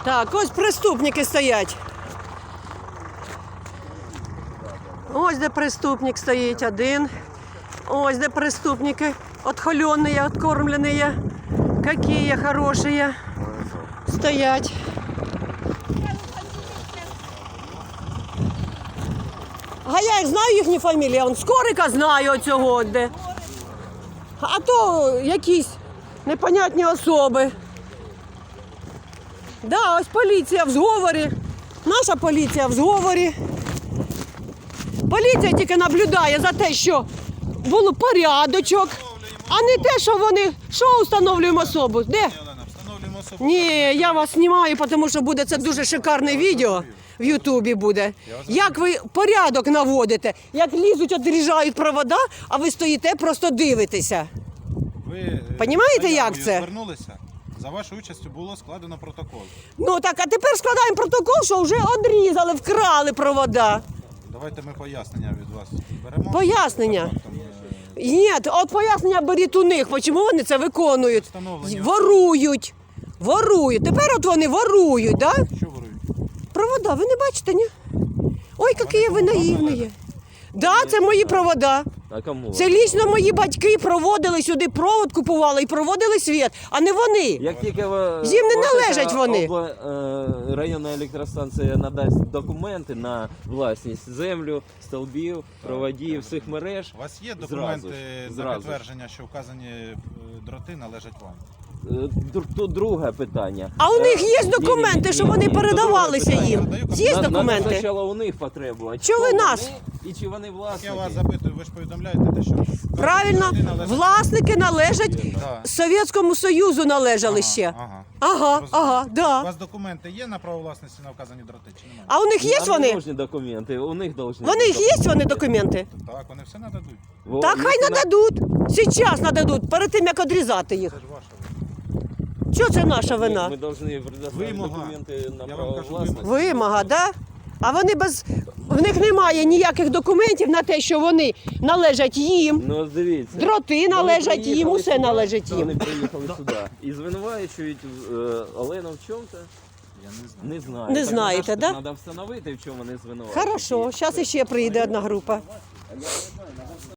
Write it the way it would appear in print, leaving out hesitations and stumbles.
Так, ось преступники стоять. Ось де преступник стоїть один. Ось де преступники. Отхоленные, откормленные. Какие хорошие. Стоять. А я їх знаю, їхні фамілії. Он Скорика знаю оцього де. А то якісь непонятні особи. Да, ось поліція в зговорі. Наша поліція в зговорі. Поліція тільки наблюдає за те, що було порядочок, а не те, що вони... Що встановлюємо особу? Де? Ні, я вас знімаю, тому що буде це дуже шикарне відео. В Ютубі буде. Як ви порядок наводите, як лізуть, відрізають провода, а ви стоїте, просто дивитеся. Ви Понімаєте, як це? Звернулися, за вашою участю було складено протокол. Ну так, а тепер складаємо протокол, що вже відрізали, вкрали провода. Давайте ми пояснення від вас беремо. Пояснення? Ні, от пояснення беріть у них, чому вони це виконують. Встановлення. Ворують. Ворують. Тепер от вони ворують, так? Да? Що ворують? Провода, ви не бачите, ні? Ой, які ви наївні. Да, це мої провода. А кому? Це лічно мої батьки проводили сюди, провод купували і проводили світ, а не вони. Як тільки ви, Їм не належать вони. Районна електростанція надасть документи на власність землю, стовбів, проводів, всіх мереж. У вас є документи Зразу. на підтвердження, що вказані дроти належать вам? Тут друге питання. А у них є документи, що вони передавалися їм? Є Надо документи? спочатку у них потребувати. Чого ви нас? І чи вони власники? Я вас запитую, ви ж повідомляєте те, що... Правильно, дроти належать- власники належать Да. Совєтському Союзу належали ще. Ага. Ага, У да. вас документи є на право власності на вказані дроти чи немає? А у них є Нам вони? не нужні документи, у них должны Вони їх є, вони документи? Так, вони все нададуть. Так хай нададуть. Зараз нададуть, перед тим як відрізати їх. Це ж ваша. Що це наша вина? Ми повинні предоставити Вимога. документи на Я вам право кажу, власності. Вимога, да? А вони без... В них немає ніяких документів на те, що вони належать їм. Ну, дивіться. Дроти належать Вони їм, приїхали усе сюди, належить їм. Вони приїхали сюди і звинувачують Олену в чому-то. Я не знаю. Не знаю. Не Так, знаєте, да? Треба встановити, в чому вони звинувачують. Хорошо, зараз іще прийде одна група.